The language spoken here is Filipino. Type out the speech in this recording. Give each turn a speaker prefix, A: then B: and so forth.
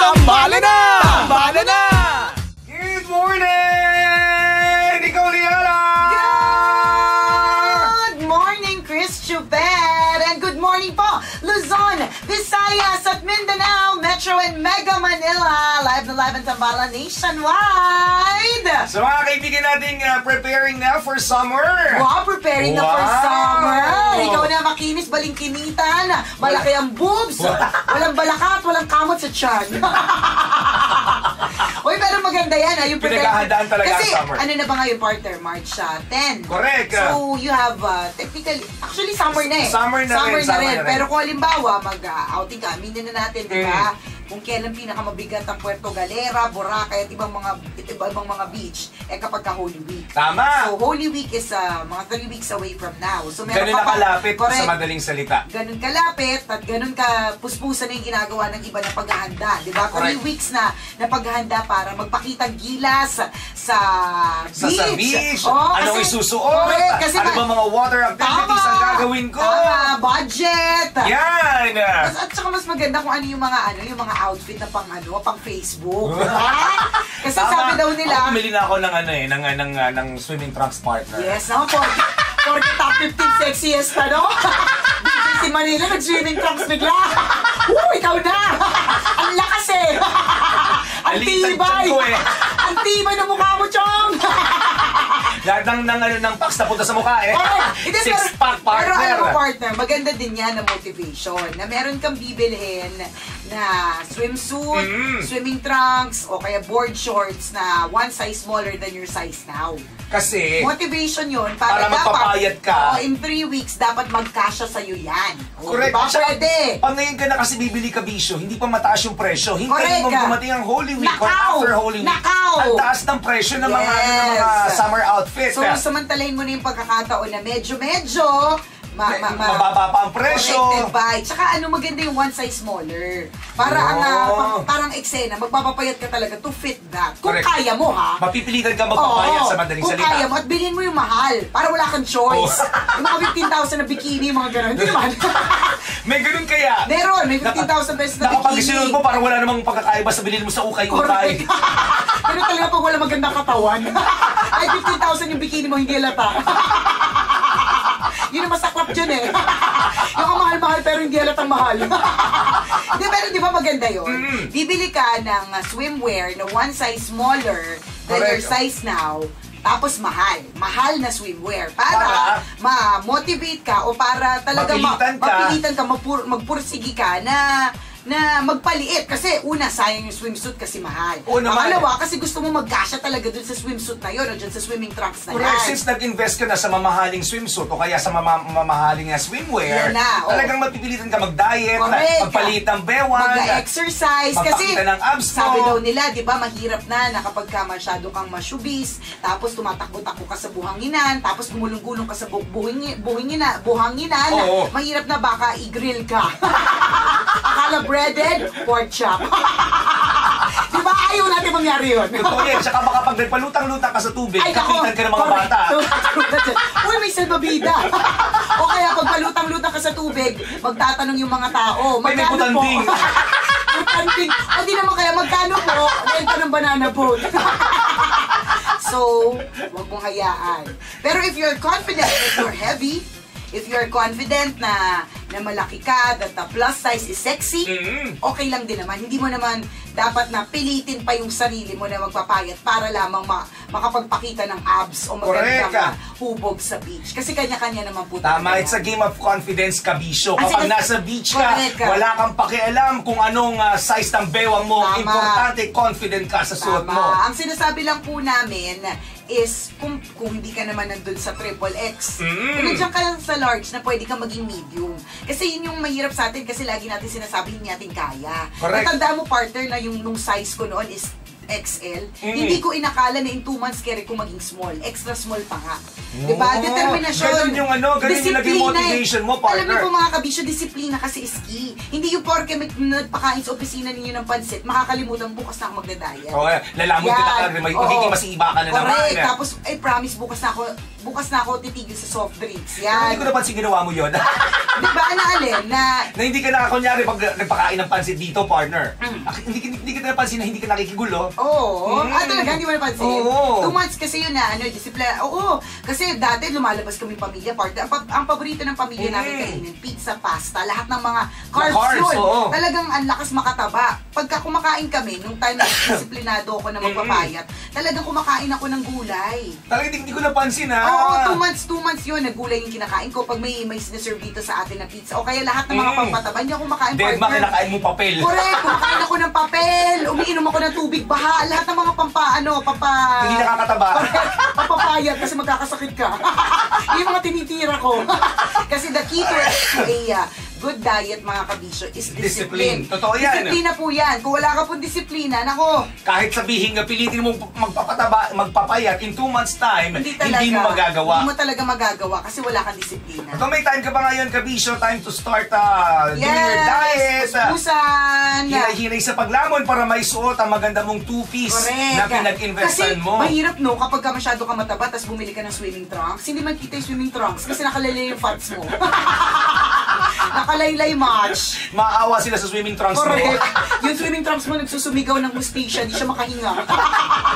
A: Tambalan na!
B: Tambalan na!
A: Good morning! Ikaw, Liana!
C: Good morning, Chris Chubet! And good morning po, Luzon, Visayas at Mindanao, Metro and Mega Manila. Live na live ang Tambalan nationwide!
A: Sa mga kaibigan nating preparing na for summer.
C: Wow, preparing na for
A: Wow!
C: summer! Ikaw na makinis, balingkinitan, malaki ang boobs, walang balakat, walang kamot sa tiyan. Uy, pero maganda yan, ha? Yung
A: Pinaghahandaan talaga
C: kasi,
A: ang summer.
C: ano na ba ngayon, partner? March 10.
A: Correct.
C: So, you have, technically, actually, summer na eh.
A: Summer na rin.
C: Pero kung halimbawa, mag-outing ka, aminin na natin, di ba? Kung kailan pinakamabigat ang Puerto Galera, Boracay, at ibang mga beach, eh kapag ka Holy Week.
A: Tama!
C: So, Holy Week is mga 3 weeks away from now. So, meron
A: Ganun
C: ka
A: na
C: pa,
A: kalapit
C: correct,
A: sa madaling salita.
C: ganun kalapit at ganun ka puspusan na yung ginagawa ng iba na paghahanda. Di ba? 3
A: Correct.
C: weeks na paghahanda para magpakitang gilas sa beach.
A: Oh, anong isusuot?
C: Correct, kasi
A: ano ba mga water activities ang gagawin ko?
C: Tama, budget.
A: Yan!
C: At saka mas maganda kung ano yung mga outfit na pang Facebook. Diba? Kasi sabi daw nila,
A: Ako, bumili na ako ng swimming trunks partner.
C: yes, no? For the top 15 sexiest, ano? Si Manila, nag-swimming trunks bigla. Ikaw na! Ang lakas eh! Ang
A: Alitan
C: tibay!
A: ko eh.
C: Ang tibay ng mukha mo, Chong!
A: Lahat ng packs na punta sa mukha eh.
C: Hindi,
A: Six-pack
C: Pero alam mo,
A: partner.
C: partner, maganda din yan na motivation. Na meron kang bibilhin na swimsuit, swimming trunks, o kaya board shorts na one size smaller than your size now.
A: Kasi,
C: Motivation yun para
A: magpapayat ka.
C: in 3 weeks, dapat magkasya sa'yo yan.
A: correct.
C: Diba?
A: Tsaka,
C: Pwede.
A: Pag ngayon ka na kasi bibili ka bisyo, hindi pa mataas yung presyo. Hintayin
C: Correct
A: mo
C: ka.
A: dumating ang Holy Week or
C: Nakaw!
A: after Holy Week.
C: Nakaw!
A: Ang taas ng presyo ng mga,
C: Yes.
A: summer outfits.
C: So, samantalahin mo na yung pagkakataon na medyo
A: Mababa pa ang presyo.
C: corrected by. Tsaka maganda yung one size smaller. Para parang eksena, magpapapayat ka talaga to fit that. Kung
A: Correct.
C: kaya mo, ha?
A: Mapipilitan ka magpapayat sa madaling
C: kung
A: salita.
C: kaya mo, at bilhin mo yung mahal. Para wala kang choice. Yung mga 15,000 na bikini, mga gano'n. Hindi naman.
A: May ganun kaya.
C: Meron, may 15,000 pesos na
A: Kapag
C: bikini.
A: isinunod mo, parang wala namang pagkakaiba sa bilhin mo sa ukay-ukay.
C: Correct. Pero talaga pag wala magandang katawan. Ay, 15,000 yung bikini mo, hindi halata. Yun ang masaklap dyan eh. Yung mahal-mahal pero hindi halatang mahal. Hindi, pero di ba maganda yun? Bibili ka ng swimwear na one size smaller than your size now, tapos mahal. Mahal na swimwear. Para ma-motivate ka o para talaga mapilitan ka, magpursigi ka na magpaliit. Kasi una, sayang yung swimsuit kasi mahal. Pangalawa, kasi gusto mo magkasya talaga dun sa swimsuit na yun o dun sa swimming trunks na yan.
A: Since nag-invest ka na sa mamahaling swimsuit o kaya sa mamahaling swimwear, talagang mapipilitan ka mag-diet, magpalit ng bewan,
C: mag-exercise. Kasi
A: magpakita ng abs mo.
C: sabi daw nila, di ba, mahirap na kapag ka masyado kang masyubis, tapos tumatakbo-takbo ka sa buhanginan, tapos gumulong-gulong ka sa buhanginan, mahirap na baka i-grill ka. Akala breaded, pork chop. Di ba? Ayaw natin mangyari yun.
A: Totoo yan. Tsaka baka pag nagpalutang-lutang ka sa tubig, kapitan ka ng mga bata.
C: Uy, may salbabida. O kaya pag palutang-lutang ka sa tubig, magtatanong yung mga tao, magkano po?
A: Butanding.
C: Butanding. O di naman kaya, magkano po? Renta ng banana boat. So, wag mong hayaan. Pero if you're confident that you're heavy, if you're confident na malaki ka, that the plus size is sexy, okay lang din naman. Hindi mo naman dapat na pilitin pa yung sarili mo na magpapayat para lamang makapagpakita ng abs o magandang hubog sa beach. Kasi kanya-kanya naman po.
A: Tama, it's a game of confidence, kabisyo. Kapag nasa beach ka, wala kang pakialam kung anong size ng bewang mo. Importante, confident ka sa suot mo.
C: Ang sinasabi lang po namin is kung hindi ka naman nandun sa XXX, kung nandiyan ka lang sa large na pwede ka maging medium. Kasi yun yung mahirap sa atin kasi lagi natin sinasabi hindi natin kaya. Natandaan mo, partner, na yung nung size ko noon is XL, hindi ko inakala na in 2 months carry ko maging small. Extra small pa nga. Diba? Determinasyon.
A: Ganun yung ganun yung naging motivation mo, partner.
C: Alam niyo po mga kabisyo, disiplina kasi is key. Hindi yung porke nagpakain sa opisina ninyo ng pansit, makakalimutan bukas na ako magdadaya.
A: Lalamon ka na, magiging masiba ka na naman.
C: Correct. Tapos, I promise bukas na ako bukas na ako titigil sa soft drinks.
A: Pero
C: Yan.
A: hindi ko napansin ginawa mo yun.
C: Di ba, na alin? Na
A: hindi ka na, kunyari, pag nagpakain ng pansit dito, partner, hindi ka napansin na hindi ka nakikigulo.
C: Oo. Talaga, hindi mo napansin?
A: Oo.
C: 2 months kasi yun na, disiplina. Oo. Kasi dati lumalabas kami pamilya, partner. Ang paborito ng pamilya namin kainin, pizza, pasta, lahat ng mga carbs yun.
A: Oo.
C: Talagang ang lakas makataba. Pagka kumakain kami, nung time na disiplinado ako na magpapayat, talagang kumakain ako ng gulay.
A: Talagang hindi ko napansin, ha?
C: Oo, 2 months yun, naggulay yung kinakain ko pag may sinaserve dito sa atin na pizza. O kaya lahat ng mga pampataba, hindi ako kumakain,
A: Dead
C: partner.
A: kinakain mo papel.
C: Correct, kumakain ako ng papel, umiinom ako ng tubig baha, lahat ng mga
A: Hindi nakakataba.
C: papapayat kasi magkakasakit ka. Yung mga tinitira ko. Kasi the key to a good diet, mga kabisyo, is discipline.
A: Totoo yan.
C: Disiplina po yan. Kung wala ka pong disiplina, nako.
A: Kahit sabihin nga, pilitin mo magpapayat in 2 months time,
C: Hindi
A: mo magagawa.
C: Hindi mo talaga magagawa kasi wala kang disiplina.
A: So may time ka ba ngayon, kabisyo? Time to start doing your diet.
C: Puspusan.
A: Hinay-hinay sa paglamon para may suot ang maganda mong two-piece na pinag-investan mo.
C: Kasi mahirap no, kapag ka masyado ka mataba, tapos bumili ka ng swimming trunks, hindi makita yung swimming trunks kasi nakalaylay yung fats mo. Nakalaylay much.
A: Maawa sila sa swimming trunks mo.
C: Correct. Yung swimming trunks mo nagsusumigaw ng hustisya, di siya makahinga.